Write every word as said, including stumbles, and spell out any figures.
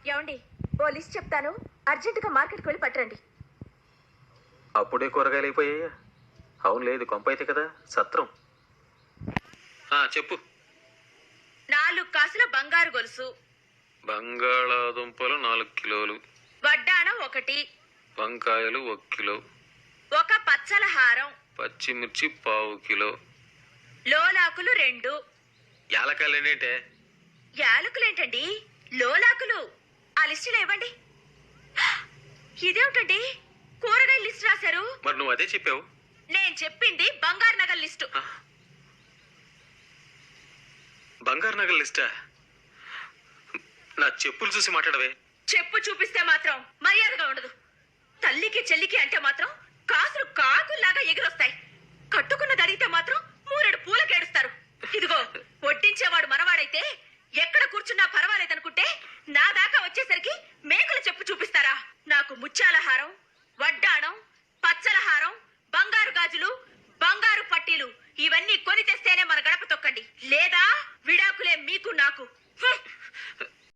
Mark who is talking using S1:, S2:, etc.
S1: ఏమండి, ఓ లిస్ట్ చెప్తాను, అర్జెంటుగా మార్కెట్కి వెళ్ళి పట్టరండి.
S2: అప్పుడే కూరగాయలు అయిపోయాయా? అవును, లేదు కొంప అయితే కదా సత్రం. చెప్పు.
S1: నాలుగు కాసుల బంగారు గొలుసు,
S2: బంగాళాదుంపలు నాలుగు కిలోలు,
S1: వడ్డాణం ఒకటి,
S2: వంకాయలు ఒక కిలో,
S1: ఒక పచ్చల హారం,
S2: పచ్చిమిర్చి పావు కిలో,
S1: లోలాకులు రెండు.
S2: యాలకాయలు ఏంటంటే?
S1: యాలకులేంటండి, లోలాకులు. ఆ లిస్టులో ఇవ్వండి. ఇదేమిటండి, కూరగాయల లిస్ట్ రాశారు?
S2: మరి నువ్వు అదే చెప్పావు.
S1: నేను చెప్పింది బంగారు నగల లిస్టు.
S2: బంగారు నగల లిస్టా? నా చెప్పులు చూసి మాట్లాడవే.
S1: చెప్పు చూపిస్తే మాత్రం మర్యాదగా ఉండదు. తల్లికి చెల్లికి అంటే మాత్రం కాసులు కాకుల్లాగా ఎగిరొస్తాయి. కట్టుకున్నది అడిగితే మాత్రం మూరెడు పూలకేడుస్తారు. ఇదిగో, వడ్డించేవాడు మనవాడైతే ఎక్కడ కూర్చున్నా పర్వాలేదనుకుంటే నా దాకా వచ్చేసరికి మేకల చెప్పు చూపిస్తారా? నాకు ముత్యాల హారం, వడ్డాణం, పచ్చల హారం, బంగారు గాజులు, బంగారు పట్టీలు ఇవన్నీ కొని తెస్తేనే మన